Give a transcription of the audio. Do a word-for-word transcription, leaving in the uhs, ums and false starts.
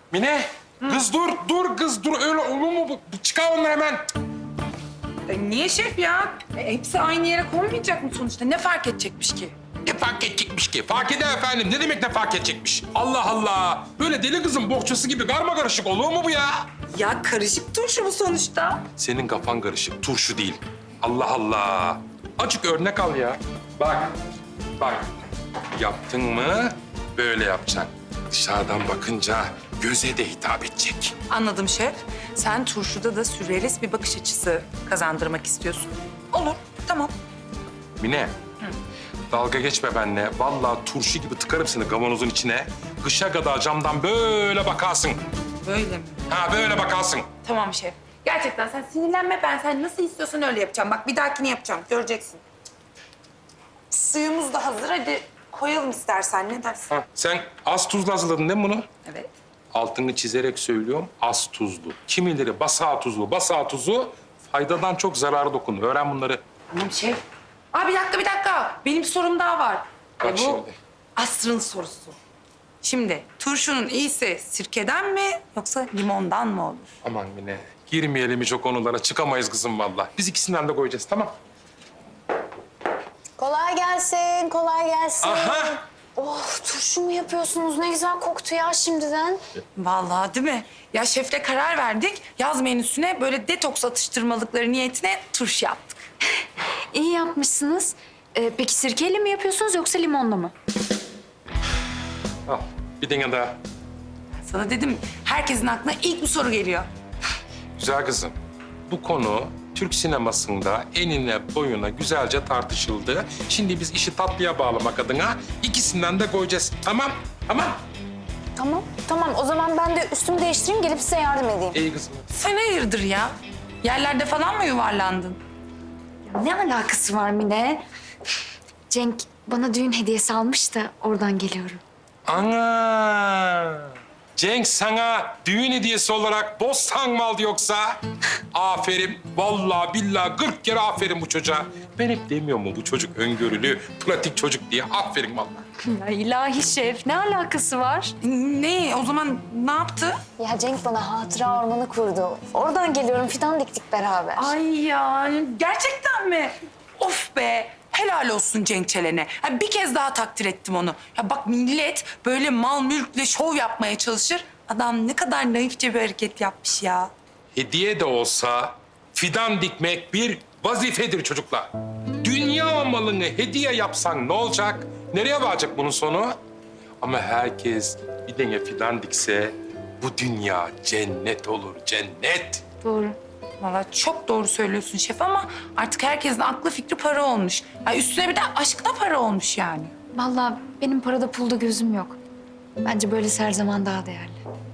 Mine, kız dur, dur kız dur. Öyle olur mu? bu? Çıkar onu hemen. E, niye şef ya? E, hepsi aynı yere konmayacak mı sonuçta? Ne fark edecekmiş ki? Ne fark edecekmiş ki? Fark eder efendim. Ne demek ne fark edecekmiş? Allah Allah. Böyle deli kızın bohçası gibi karma karışık olur mu bu ya? Ya karışık turşu bu sonuçta. Senin kafan karışık, turşu değil. Allah Allah. Açık örnek al ya. Bak, bak. Yaptın mı böyle yapacaksın. Dışarıdan bakınca göze de hitap edecek. Anladım şef. Sen turşuda da sürrealist bir bakış açısı kazandırmak istiyorsun. Olur, tamam. Mine, dalga geçme benimle. Vallahi turşu gibi tıkarım seni kavanozun içine. Kışa kadar camdan böyle bakarsın. Böyle mi? Ha böyle bakarsın. Tamam şef. Gerçekten sen sinirlenme. Ben sen nasıl istiyorsan öyle yapacağım. Bak bir dahakini yapacağım. Göreceksin. Suyumuz da hazır. Hadi koyalım istersen. Ne dersin? Ha, sen az tuzlu hazırladın değil mi bunu? Evet. Altını çizerek söylüyorum, az tuzlu. Kimileri basağı tuzlu, basağı tuzu faydadan çok zararı dokunur. Öğren bunları. Tamam şef. Aa bir dakika bir dakika. Benim bir sorum daha var. Bak E, bu şimdi. asrın sorusu. Şimdi turşunun iyisi sirkeden mi yoksa limondan mı olur? Aman Mine, girmeyelim hiç o konulara. Çıkamayız kızım vallahi. Biz ikisinden de koyacağız, tamam? Kolay gelsin, kolay gelsin. Aha! Oh, turşu mu yapıyorsunuz? Ne güzel koktu ya şimdiden. Vallahi değil mi? Ya şefle karar verdik. Yaz menüsüne böyle detoks atıştırmalıkları niyetine turşu yaptık. İyi yapmışsınız. Ee, peki sirkeyle mi yapıyorsunuz yoksa limonla mı? Al, bir dene daha. Sana dedim herkesin aklına ilk bu soru geliyor. Güzel kızım, bu konu Türk sinemasında enine boyuna güzelce tartışıldı. Şimdi biz işi tatlıya bağlamak adına ikisinden de koyacağız. Tamam, tamam. Tamam, tamam. O zaman ben de üstümü değiştireyim, gelip size yardım edeyim. İyi kızım. Sen hayırdır ya? Yerlerde falan mı yuvarlandın? Ne alakası var Mine? Cenk bana düğün hediyesi almış da oradan geliyorum. Ana! Cenk sana düğün hediyesi olarak bostan mı aldı yoksa? Aferin. Vallahi billahi kırk kere aferin bu çocuğa. Ben hep demiyor mu bu çocuk öngörülü, pratik çocuk diye. Aferin vallahi. Ya ilahi şef, ne alakası var? Ne? O zaman ne yaptı? Ya Cenk bana hatıra ormanı kurdu. Oradan geliyorum, fidan diktik beraber. Ay ya gerçekten mi? Of be. Helal olsun Cenk Çelen'e. Ha, bir kez daha takdir ettim onu. Ya bak millet böyle mal mülkle şov yapmaya çalışır. Adam ne kadar naifçe bir hareket yapmış ya. Hediye de olsa fidan dikmek bir vazifedir çocuklar. Dünya malını hediye yapsan ne olacak? Nereye varacak bunun sonu? Ama herkes bir tane fidan dikse bu dünya cennet olur, cennet. Doğru. Vallahi çok doğru söylüyorsun şef ama artık herkesin aklı fikri para olmuş. Ya üstüne bir de aşk da para olmuş yani. Vallahi benim parada pulda gözüm yok. Bence böylesi her zaman daha değerli.